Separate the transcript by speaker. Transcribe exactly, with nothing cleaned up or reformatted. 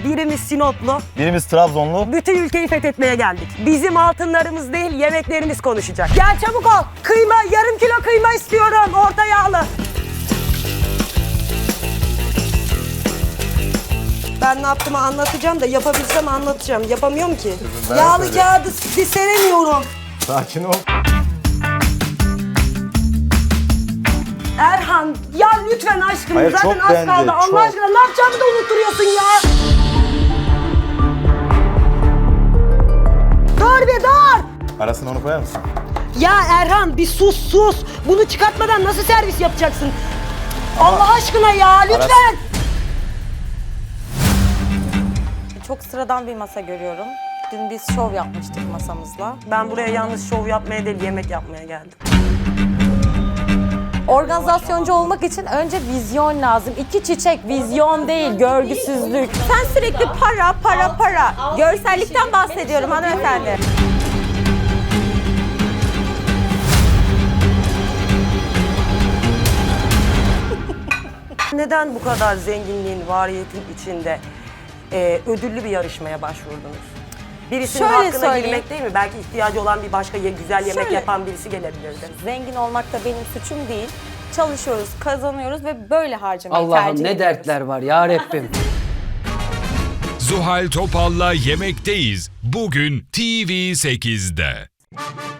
Speaker 1: birimiz Sinoplu.
Speaker 2: Birimiz Trabzonlu.
Speaker 1: Bütün ülkeyi fethetmeye geldik. Bizim altınlarımız değil, yemeklerimiz konuşacak. Gel çabuk ol. Kıyma, yarım kilo kıyma istiyorum. Orta yağlı. Ben ne yaptığımı anlatacağım da yapabilsem anlatacağım. Yapamıyorum ki.
Speaker 2: Ben
Speaker 1: Yağlı
Speaker 2: söyleyeyim.
Speaker 1: kağıdı bir seremiyorum.
Speaker 2: Sakin ol.
Speaker 1: Erhan ya lütfen aşkım.
Speaker 2: Hayır,
Speaker 1: Zaten
Speaker 2: çok
Speaker 1: az
Speaker 2: beğendi,
Speaker 1: kaldı. Allah
Speaker 2: çok.
Speaker 1: aşkına ne yapacağımı da unutturuyorsun ya. Dur bir dur.
Speaker 2: Arasına onu koyar mısın?
Speaker 1: Ya Erhan bir sus sus. Bunu çıkartmadan nasıl servis yapacaksın? Allah aşkına ya lütfen.
Speaker 3: Çok sıradan bir masa görüyorum. Dün biz şov yapmıştık masamızla.
Speaker 1: Ben buraya yalnız şov yapmaya değil yemek yapmaya geldim.
Speaker 3: Organizasyoncu olmak için önce vizyon lazım. İki çiçek, vizyon değil, görgüsüzlük. Sen sürekli para, para, para. Görsellikten bahsediyorum hanımefendi.
Speaker 1: Neden bu kadar zenginliğin, variyetin içinde e, ödüllü bir yarışmaya başvurdunuz? Birisinin
Speaker 3: Şöyle
Speaker 1: hakkına
Speaker 3: söyleyeyim.
Speaker 1: girmek değil mi? Belki ihtiyacı olan bir başka ye- güzel yemek
Speaker 3: Şöyle.
Speaker 1: yapan birisi gelebilirdi.
Speaker 3: Zengin olmak da benim suçum değil. Çalışıyoruz, kazanıyoruz ve böyle harcamayı tercih
Speaker 4: Allah'ım ne
Speaker 3: ediyoruz.
Speaker 4: dertler var ya Rabbim.
Speaker 5: Zuhal Topal'la Yemekteyiz. Bugün T V sekizde.